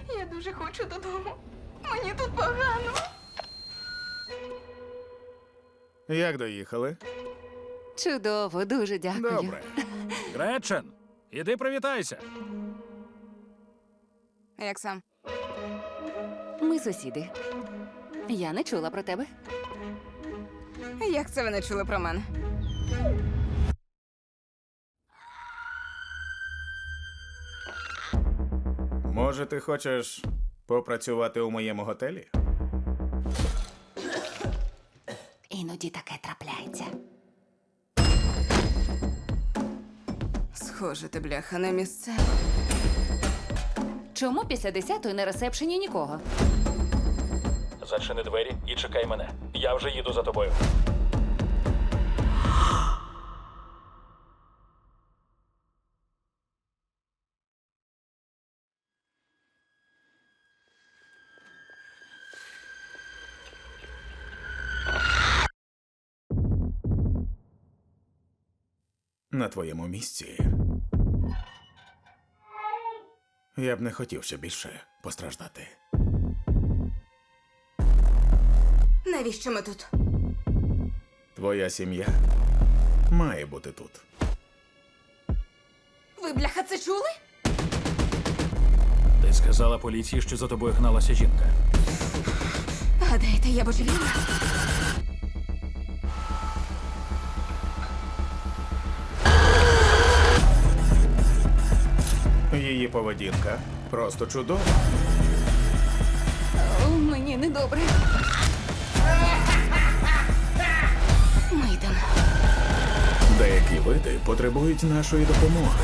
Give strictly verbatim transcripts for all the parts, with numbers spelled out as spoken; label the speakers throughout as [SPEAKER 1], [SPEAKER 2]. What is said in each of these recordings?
[SPEAKER 1] Я дуже хочу додому. Мені тут погано.
[SPEAKER 2] Як доїхали?
[SPEAKER 3] Чудово, дуже дякую.
[SPEAKER 2] Добре.
[SPEAKER 4] Гречен, іди привітайся.
[SPEAKER 1] Як сам?
[SPEAKER 3] Ми сусіди. Я не чула про тебе.
[SPEAKER 1] Як це ви не чули про мене?
[SPEAKER 2] Може, ти хочеш попрацювати у моєму готелі?
[SPEAKER 3] Іноді таке трапляється.
[SPEAKER 1] Схоже, ти, бляха, на місце.
[SPEAKER 3] Чому після десятої на ресепшені нікого?
[SPEAKER 4] Зачини двері і чекай мене. Я вже їду за тобою.
[SPEAKER 2] На твоєму місці. Я б не хотів ще більше постраждати.
[SPEAKER 1] Навіщо ми тут?
[SPEAKER 2] Твоя сім'я має бути тут.
[SPEAKER 1] Ви, бляха, це чули?
[SPEAKER 4] Ти сказала поліції, що за тобою гналася жінка.
[SPEAKER 1] Гадаєте, я божевільна?
[SPEAKER 2] Її поведінка просто чудова.
[SPEAKER 3] О, мені недобре.
[SPEAKER 1] Ми йдемо.
[SPEAKER 2] Деякі види потребують нашої допомоги.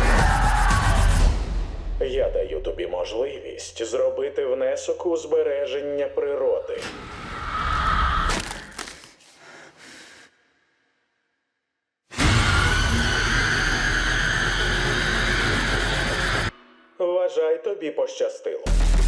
[SPEAKER 2] Я даю тобі можливість зробити внесок у збереження природи. Вважай, тобі пощастило.